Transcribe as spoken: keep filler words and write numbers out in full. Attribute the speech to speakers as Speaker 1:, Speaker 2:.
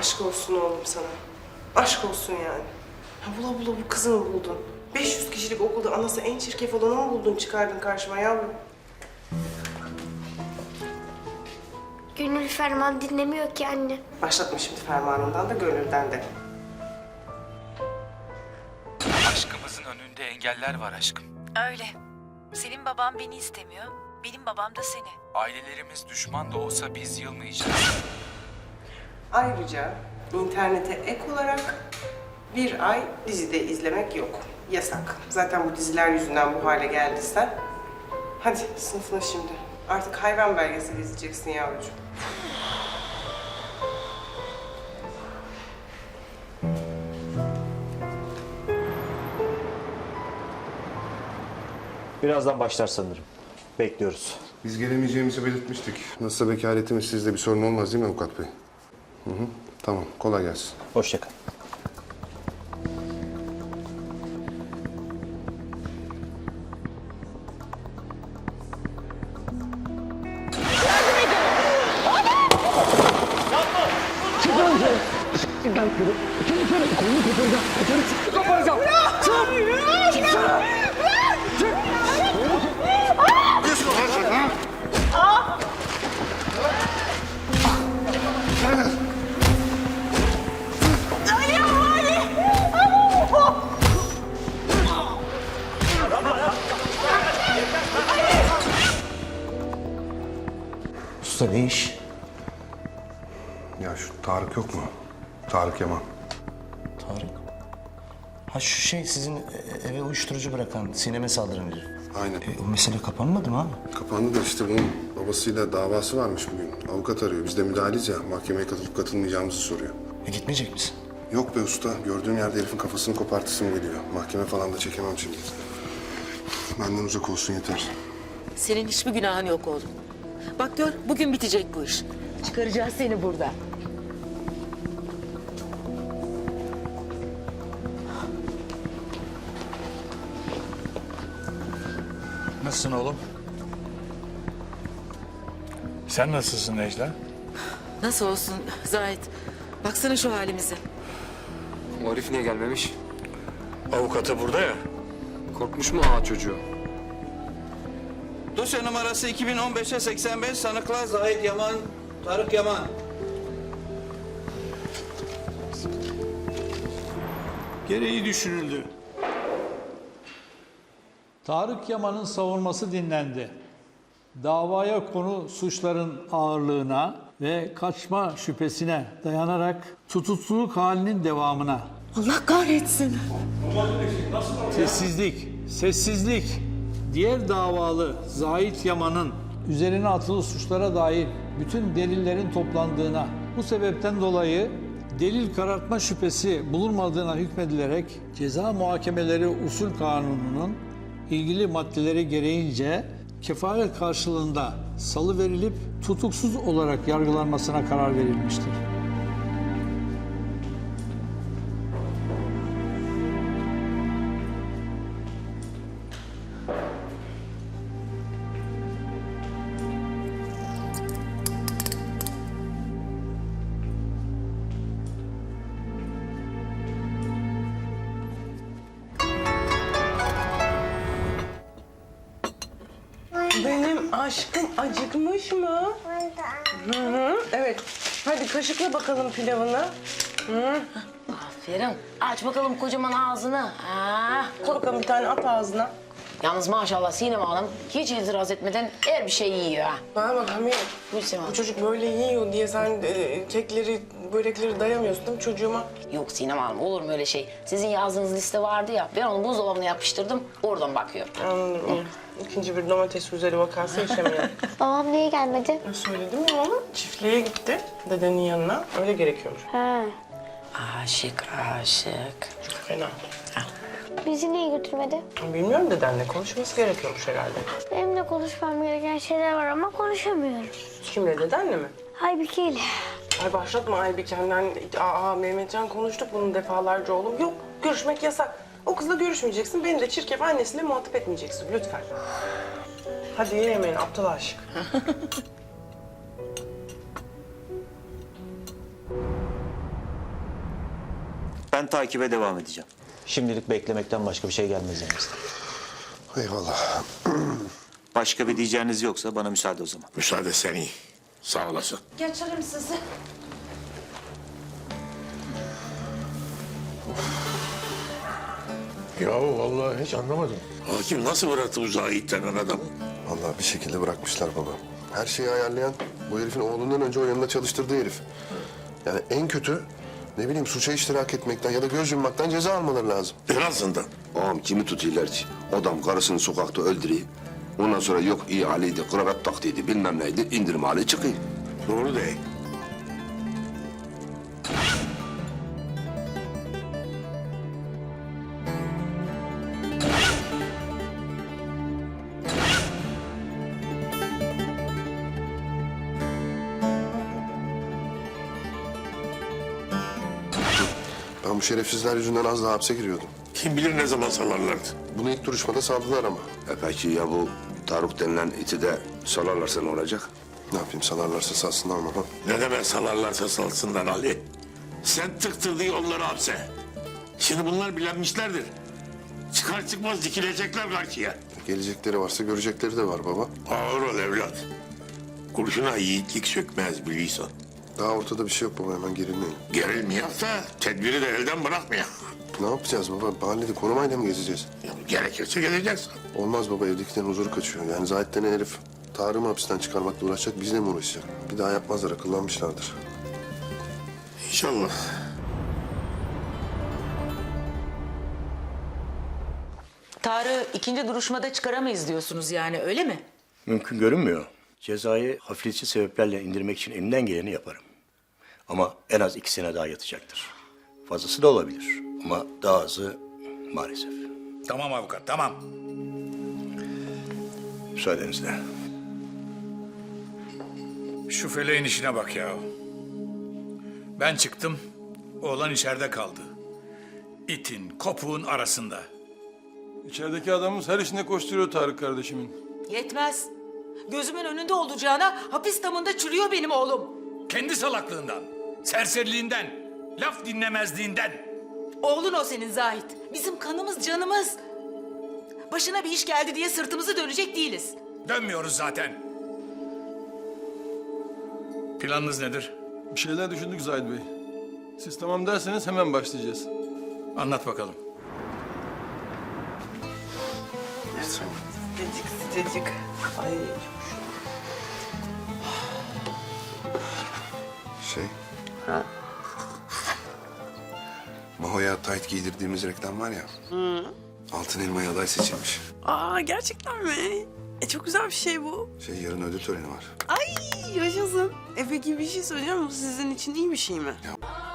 Speaker 1: Aşk olsun oğlum sana. Aşk olsun yani. Ha, bula bula bu kızı mı buldun? beş yüz kişilik okulda anası en çirkef olanı mı buldun, çıkardın karşıma yavrum?
Speaker 2: Gönül ferman dinlemiyor ki anne.
Speaker 1: Başlatma şimdi fermanından da gönülden de.
Speaker 3: Aşkımızın önünde engeller var aşkım.
Speaker 4: Öyle. Senin baban beni istemiyor, benim babam da seni.
Speaker 3: Ailelerimiz düşman da olsa biz yılmayacağız.
Speaker 1: Ayrıca internete ek olarak bir ay dizide izlemek yok. Yasak. Zaten bu diziler yüzünden bu hale geldiysen. Hadi sınıfına şimdi. Artık hayvan belgeseli izleyeceksin yavrucuğum.
Speaker 5: Birazdan başlar sanırım. Bekliyoruz.
Speaker 6: Biz gelemeyeceğimizi belirtmiştik. Nasılsa vekaletimiz sizde bir sorun olmaz değil mi avukat bey? Hı hı. Tamam, kolay gelsin.
Speaker 5: Hoşça kal. Usta ne iş?
Speaker 6: Ya şu Tarık yok mu? Tarık Yaman.
Speaker 5: Tarık. Ha şu şey sizin eve uyuşturucu bırakan, sineme saldıran herif.
Speaker 6: Aynen.
Speaker 5: E, o mesele kapanmadı mı abi?
Speaker 6: Kapandı da işte bunun babasıyla davası varmış bugün. Avukat arıyor. Biz de müdahaleyiz ya. Mahkemeye katılıp katılmayacağımızı soruyor.
Speaker 5: E, gitmeyecek misin?
Speaker 6: Yok be usta. Gördüğüm yerde herifin kafasını kopartısım geliyor. Mahkeme falan da çekemem şimdi. Benden uzak olsun yeter.
Speaker 4: Senin hiçbir günahın yok oğlum. Bak gör, bugün bitecek bu iş. Çıkaracağız seni buradan.
Speaker 3: Nasılsın oğlum? Sen nasılsın Necla?
Speaker 4: Nasıl olsun Zahit? Baksana şu halimize.
Speaker 7: O herif niye gelmemiş?
Speaker 3: Avukatı burada ya.
Speaker 7: Korkmuş mu ağa çocuğu?
Speaker 8: Dosya numarası iki bin on beşe seksen beş, sanıklar Zahit Yaman, Tarık Yaman.
Speaker 9: Gereği düşünüldü. Tarık Yaman'ın savunması dinlendi. Davaya konu suçların ağırlığına ve kaçma şüphesine dayanarak tutukluluk halinin devamına.
Speaker 4: Allah kahretsin.
Speaker 9: Sessizlik, sessizlik. Diğer davalı Zahit Yaman'ın üzerine atılı suçlara dair bütün delillerin toplandığına, bu sebepten dolayı delil karartma şüphesi bulunmadığına hükmedilerek Ceza Muhakemeleri Usul Kanunu'nun ilgili maddeleri gereğince kefalet karşılığında salıverilip tutuksuz olarak yargılanmasına karar verilmiştir.
Speaker 1: Benim aşkım acıkmış mı? Hı hı. Evet. Hadi kaşıkla bakalım pilavını. Hı.
Speaker 10: Aferin. Aç bakalım kocaman ağzını. Ha.
Speaker 1: Koy bakalım bir tane at ağzına.
Speaker 10: Yalnız maşallah Sinem Hanım hiç itiraz etmeden her bir şey yiyor ha.
Speaker 1: Bana bak Hamiyet.
Speaker 10: Buyur Sinem
Speaker 1: Bu
Speaker 10: Hanım.
Speaker 1: çocuk böyle yiyor diye sen e, kekleri, börekleri dayamıyorsun değil mi çocuğuma?
Speaker 10: Yok Sinem Hanım olur mu öyle şey? Sizin yazdığınız liste vardı ya. Ben onu buzdolabına yapıştırdım. Oradan bakıyorum.
Speaker 1: Anladım. İkinci bir domates üzeri vakası yaşamıyor.
Speaker 2: Babam niye gelmedi?
Speaker 1: Söyledim ya ona. Çiftliğe gitti dedenin yanına. Öyle gerekiyormuş.
Speaker 2: Ha.
Speaker 10: Aşık aşık.
Speaker 1: Çok fena.
Speaker 2: Bizi niye götürmedi?
Speaker 1: Bilmiyorum, dedenle konuşması gerekiyormuş herhalde.
Speaker 2: Benim de konuşmam gereken şeyler var ama konuşamıyorum.
Speaker 1: Kimle, dedenle mi?
Speaker 2: Aybike ile.
Speaker 1: Ay başlatma Aybike'nden. Aa Mehmetcan konuştuk bunu defalarca oğlum. Yok, görüşmek yasak. O kızla görüşmeyeceksin. Beni de çirkef annesiyle muhatap etmeyeceksin lütfen. Hadi ye yemeğini aptal aşık.
Speaker 11: takibe devam edeceğim.
Speaker 5: Şimdilik beklemekten başka bir şey gelmez elimizden.
Speaker 6: Eyvallah.
Speaker 11: Başka bir diyeceğiniz yoksa bana müsaade o zaman.
Speaker 12: Müsaade sen iyi. Sağ olasın.
Speaker 10: Geçelim sizi.
Speaker 12: Ya vallahi hiç anlamadım. Hakim nasıl bıraktı bu Zahit denen adamı?
Speaker 6: Vallahi bir şekilde bırakmışlar baba. Her şeyi ayarlayan bu herifin oğlundan önce o yanında çalıştırdığı herif. Yani en kötü ne bileyim suça iştirak etmekten ya da göz yummaktan ceza almaları lazım.
Speaker 12: En azından.
Speaker 13: Ağam kimi tutuyorlar ki? Adam karısını sokakta öldürüyor. Ondan sonra yok iyi haliydi, kravat taktıydı, bilmem neydi, indirim hali çıkıyor.
Speaker 12: Doğru değil.
Speaker 6: Ben bu şerefsizler yüzünden az daha hapse giriyordum.
Speaker 12: Kim bilir ne zaman salarlardı.
Speaker 6: Bunu ilk duruşmada saldılar ama.
Speaker 13: E peki ya bu Tarık denilen iti de salarlarsa ne olacak?
Speaker 6: Ne yapayım salarlarsa salsınlar ama. Ha?
Speaker 12: Ne demek salarlarsa salsınlar Ali. Sen tıktırdığı onları hapse. Şimdi bunlar bilenmişlerdir. Çıkar çıkmaz dikilecekler karşıya.
Speaker 6: Gelecekleri varsa görecekleri de var baba.
Speaker 12: Ağır ol evlat. Kurşuna yiğitlik sökmez biliyorsun.
Speaker 6: Daha ortada bir şey yok baba hemen gerilmeyin.
Speaker 12: Gerilmiyor da tedbiri de elden bırakmıyor.
Speaker 6: Ne yapacağız baba? Mahallede korumayla mı gezeceğiz?
Speaker 12: Ya, gerekirse geleceksin.
Speaker 6: Olmaz baba evdekilerin huzuru kaçıyor. Yani Zahit denen herif Tarık'ı mı hapisten çıkarmakla uğraşacak bizle mi uğraşacak? Bir daha yapmazlar akıllanmışlardır.
Speaker 12: İnşallah.
Speaker 4: Tarık'ı ikinci duruşmada çıkaramayız diyorsunuz yani öyle mi?
Speaker 14: Mümkün görünmüyor. Cezayı hafifletici sebeplerle indirmek için elimden geleni yaparım. Ama en az iki sene daha yatacaktır. Fazlası da olabilir ama daha azı maalesef.
Speaker 12: Tamam avukat tamam.
Speaker 14: Müsaadenizle.
Speaker 12: Şu feleğin işine bak ya. Ben çıktım, oğlan içeride kaldı. İtin, kopuğun arasında.
Speaker 9: İçerideki adamımız her işine koşturuyor Tarık kardeşimin.
Speaker 4: Yetmez. Gözümün önünde olacağına hapis damında çürüyor benim oğlum.
Speaker 12: Kendi salaklığından, serseriliğinden, laf dinlemezliğinden.
Speaker 4: Oğlun o senin Zahit. Bizim kanımız canımız. Başına bir iş geldi diye sırtımızı dönecek değiliz.
Speaker 12: Dönmüyoruz zaten. Planınız nedir?
Speaker 9: Bir şeyler düşündük Zahid Bey. Siz tamam derseniz hemen başlayacağız.
Speaker 12: Anlat bakalım.
Speaker 1: Sıcacık sıcacık. Ay.
Speaker 6: Şey...
Speaker 1: Ha?
Speaker 6: Maho'ya tayt giydirdiğimiz reklam var ya. Hı. Altın Elma'ya aday seçilmiş.
Speaker 1: Aa gerçekten mi? E çok güzel bir şey bu.
Speaker 6: Şey yarın ödül töreni var.
Speaker 1: Ay yaşasın. E peki bir şey söyleyeceğim. Bu sizin için iyi bir şey mi?
Speaker 6: Ya